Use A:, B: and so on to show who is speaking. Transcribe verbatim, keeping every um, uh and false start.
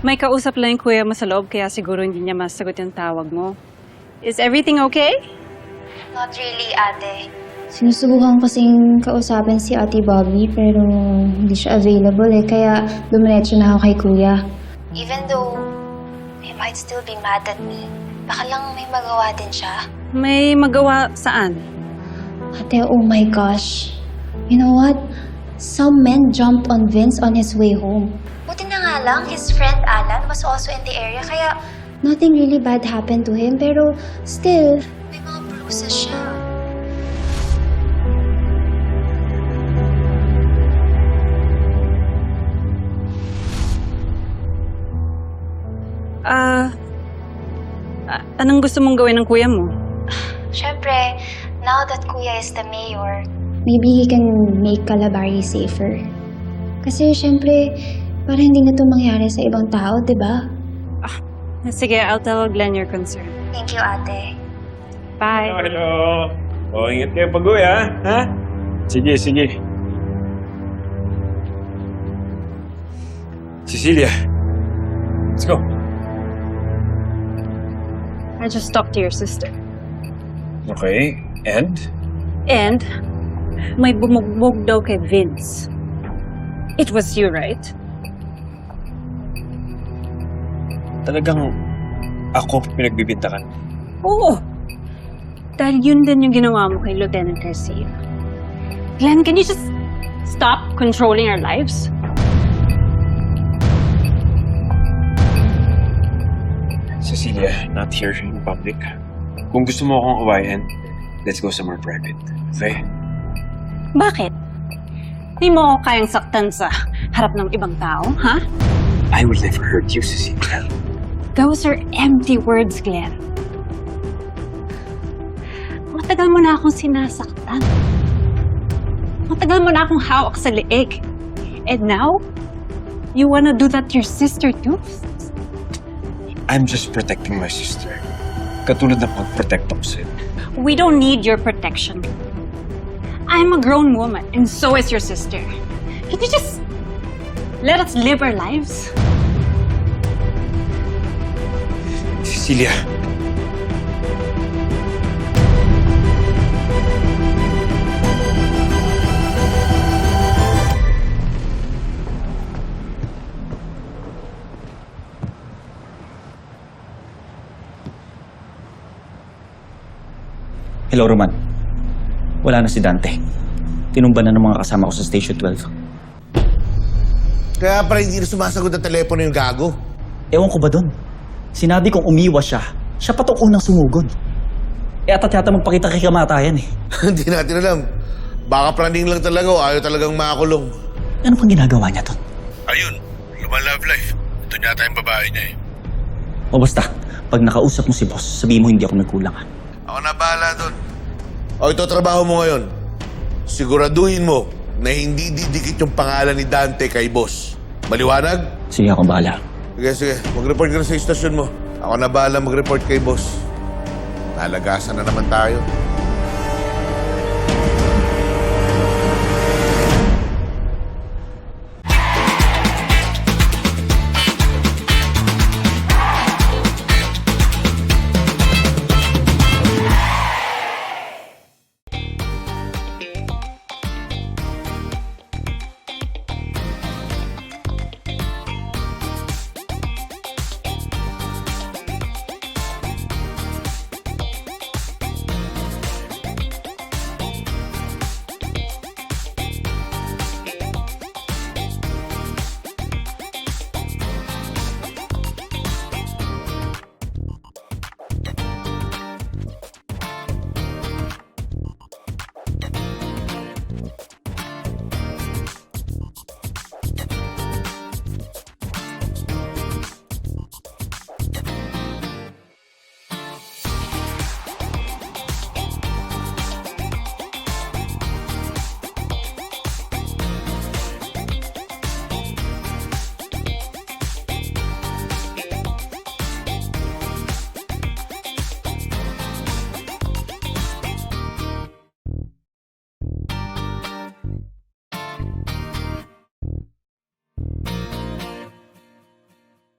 A: May kausap lang yung kuya mo sa loob, kaya siguro hindi niya masagot yung tawag mo. Is everything okay?
B: Not really, ate.
C: Sinusubukan kasing kausapin si Ate Bobby pero hindi siya available eh. Kaya dumiretso na ako kay Kuya.
B: Even though he might still be mad at me, baka lang may magawa din siya.
A: May magawa saan?
C: Ate, oh my gosh. You know what? Some men jumped on Vince on his way home.
B: Buti na nga lang, his friend Alan was also in the area, kaya
C: Nothing really bad happened to him pero still,
B: may mga bruises siya.
A: Ah... ah, anong gusto mong gawin ng kuya mo?
B: Siyempre, now that Kuya is the mayor,
C: maybe he can make Calabari safer. Kasi syempre, para hindi na ito mangyari sa ibang tao, di ba?
A: Sige, I'll tell Glenn your concern.
B: thank you, ate.
A: Bye.
D: Hello, hello. O, ingat kayo pag-uwi, ha? Ha? Sige, sige. Cecilia, let's go.
A: I just talked to your sister.
D: Okay, and?
A: And, may bumugbog daw kay Vince. It was you, right?
D: Talagang ako pinagbibintakan.
A: Oo. Dahil yun din yung ginawa mo kay Lieutenant Garcia. Glenn, can you just stop controlling our lives?
D: Cecilia, not here in public. Kung gusto mo akong awayan, let's go somewhere private. Okay?
A: Bakit? Di mo ako kayang saktan sa harap ng ibang tao, ha?
D: I will never hurt you, Cecilia.
A: Those are empty words, Glenn. Matagal mo na akong sinasaktan. Matagal mo na akong hawak sa leeg. And now, you wanna do that to your sister too?
D: I'm just protecting my sister. Katulad ng pag-protect ako sa'yo.
A: We don't need your protection. I'm a grown woman, and so is your sister. Can you just let us live our lives?
D: Cecilia.
E: Hello, Roman. Wala na si Dante. Tinumba na ng mga kasama ko sa Station twelve.
F: Kaya pala hindi na sumasagot ang telepono yung gago.
E: Ewan ko ba doon? Sinabi kong umiwas siya. Siya pa itong unang sumugod. E ata't yata magpakita kay kamatayan eh.
F: Hindi natin alam. Baka planning lang talaga o ayaw talagang makakulong.
E: Ano pang ginagawa niya doon?
F: Ayun, luman love life. Ito yata yung babae niya eh.
E: O basta, pag nakausap mo si boss, sabihin mo hindi ako nagkulang ha.
F: Ako na bahala doon. O ito trabaho mo ngayon. Siguraduhin mo na hindi didikit yung pangalan ni Dante kay boss. Maliwanag?
E: Sige, ako bahala.
F: Sige, sige. Mag-report ka na sa istasyon mo. Ako na bahala mag-report kay boss. Nalagasan na naman tayo.